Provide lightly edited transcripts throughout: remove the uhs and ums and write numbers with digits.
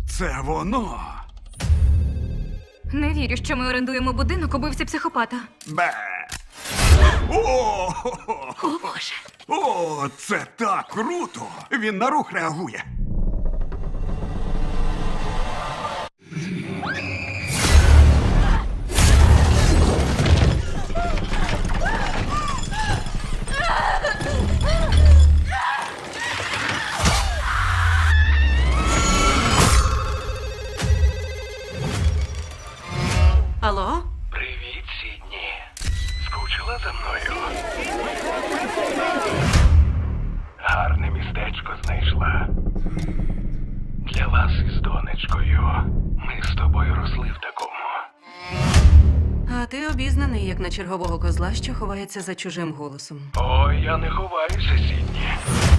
Це воно. Не вірю, що ми орендуємо будинок убивці психопата. Бе. О, О, Боже. О, це так круто! Він на рух реагує. Алло? Привіт, Сідні. Скучила за мною? Гарне містечко знайшла. Для вас із донечкою. Ми з тобою росли в такому. А ти обізнаний, як на чергового козла, що ховається за чужим голосом. Ой, я не ховаюся, Сідні.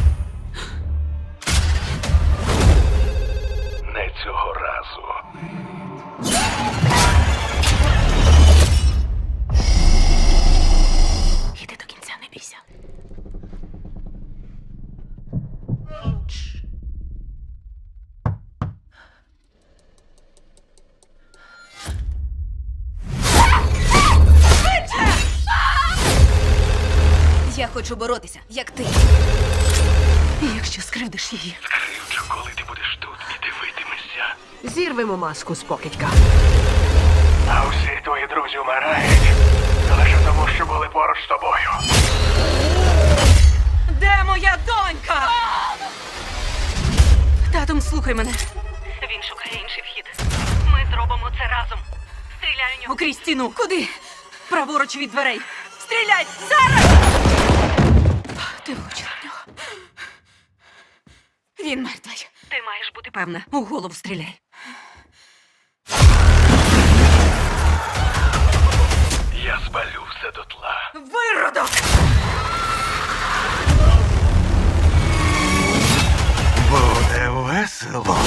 Не цього разу. Іди до кінця, не бійся. Я хочу боротися, як ти. І якщо скривдиш її, Скривчу, коли ти будеш тут і дивитимешся. Зірвемо маску з покидька. А всі твої друзі вмирають. Лише тому, що були поруч з тобою. де моя донька? Татом, слухай мене. Він шукає інший вхід. Ми зробимо це разом. Стріляй у нього. Окрізь стіну. Куди? Праворуч від дверей. Стріляй! Зараз! Ти влучила в нього. Він мертвий. Ти маєш бути Певне, у голову стріляй. Я спалю все дотла. Виродок! Буде весело.